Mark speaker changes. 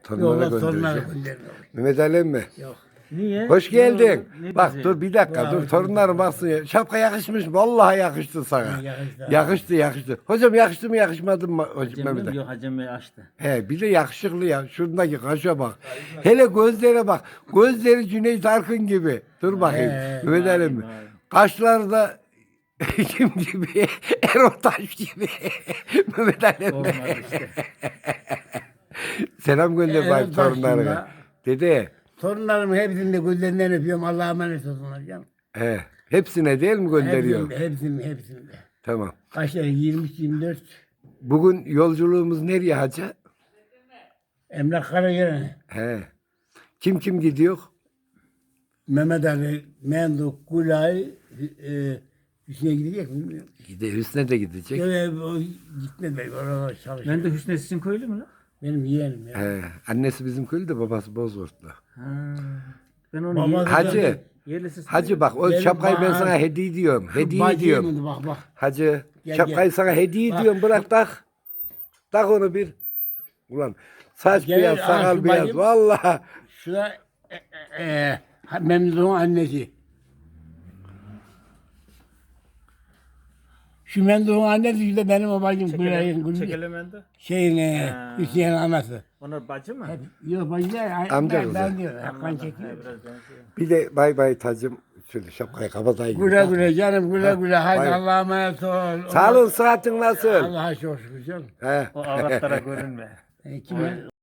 Speaker 1: Torunlara
Speaker 2: Yok torunlara
Speaker 1: göndereceğim.
Speaker 2: göndermiyorum.
Speaker 1: Mehmet Ali mi?
Speaker 2: Yok.
Speaker 3: Niye?
Speaker 1: Hoş geldin.
Speaker 3: Ne
Speaker 1: Bak
Speaker 3: bizi?
Speaker 1: dur bir dakika
Speaker 2: Ya,
Speaker 1: dur torunlarım baksın ya. Şapka yakışmış mı? Vallahi yakıştı sana.
Speaker 2: Yakıştı.
Speaker 1: Yakıştı. Hocam yakıştı mı yakışmadı mı hocam
Speaker 3: Hacem
Speaker 1: Mehmet
Speaker 3: mi?
Speaker 1: Ali?
Speaker 3: Yok Hacem Bey açtı.
Speaker 1: He bir de yakışıklı ya. Şundaki kaşa bak. Hele gözlere bak. Gözleri Cüneyt Arkın gibi. Dur bakayım. Mehmet Ali mi?
Speaker 3: vay.
Speaker 1: Kaşları da kim gibi? Erol Taş gibi. Mehmet Ali mi?
Speaker 3: Olmadı işte.
Speaker 1: Selam gönder
Speaker 2: Erol
Speaker 1: bari
Speaker 2: Taş
Speaker 1: torunlarına.
Speaker 2: ya.
Speaker 1: Dede.
Speaker 2: Torunlarımın hepsini de gözlerinden öpüyorum. Allah'a emanet olsunlar canım.
Speaker 1: He. Hepsine değil mi gönderiyor?
Speaker 2: Hepsini de.
Speaker 1: Tamam.
Speaker 2: Kaçları? 23-24.
Speaker 1: Bugün yolculuğumuz nereye hacı?
Speaker 2: Emlak Karagören.
Speaker 1: He. Kim gidiyor?
Speaker 2: Mehmet Ali, Menduk, Gulay, Hüsnü'ye gidecek mi bilmiyorum.
Speaker 1: Hüsnü de gidecek.
Speaker 2: Öyle o gitmedi belki orada çalışıyor.
Speaker 3: Ben de Hüsnü sizin köylü mü lan?
Speaker 2: Benim yeğenim ya.
Speaker 1: He. Annesi bizim köylü babası Bozurtlu.
Speaker 3: Ha. Ben onu
Speaker 2: Babası
Speaker 1: Hacı.
Speaker 3: yerlisi
Speaker 1: Hacı bak o
Speaker 2: Benim
Speaker 1: şapkayı ben
Speaker 2: bana-
Speaker 1: sana hediye ediyorum. Hediye
Speaker 2: Bacı
Speaker 1: ediyorum.
Speaker 2: yeğenim, bak.
Speaker 1: Hacı
Speaker 2: Gel,
Speaker 1: şapkayı
Speaker 2: gel.
Speaker 1: sana hediye
Speaker 2: Bak.
Speaker 1: ediyorum. Bırak tak. Tak onu bir. Ulan saç
Speaker 2: Gel,
Speaker 1: beyaz,
Speaker 2: al
Speaker 1: sakal
Speaker 2: şu
Speaker 1: beyaz.
Speaker 2: bacım.
Speaker 1: Vallahi.
Speaker 2: Şuna Memduh'un annesi. Şu Memduh'un annesi işte benim o bacım Gülay'ın
Speaker 3: Çekelemende.
Speaker 2: şeyin
Speaker 3: Ha.
Speaker 2: Hüsnü'nün anası.
Speaker 3: Onlar bacı mı?
Speaker 2: Yok bacılar
Speaker 1: Amca
Speaker 2: ben
Speaker 1: kızı.
Speaker 2: diyorum. Hakan çekiyor.
Speaker 3: Biraz benziyor.
Speaker 1: Bir de bay bay tacım. Şöyle şapkayı kapatayım.
Speaker 2: Güle güle canım güle güle. Hadi
Speaker 1: Bay-
Speaker 2: Allah'a emanet ol.
Speaker 1: Sağ olun sıhhatin nasıl?
Speaker 2: Allah'a çok şükür canım.
Speaker 1: He.
Speaker 3: O avratlara görünme.
Speaker 2: Kime?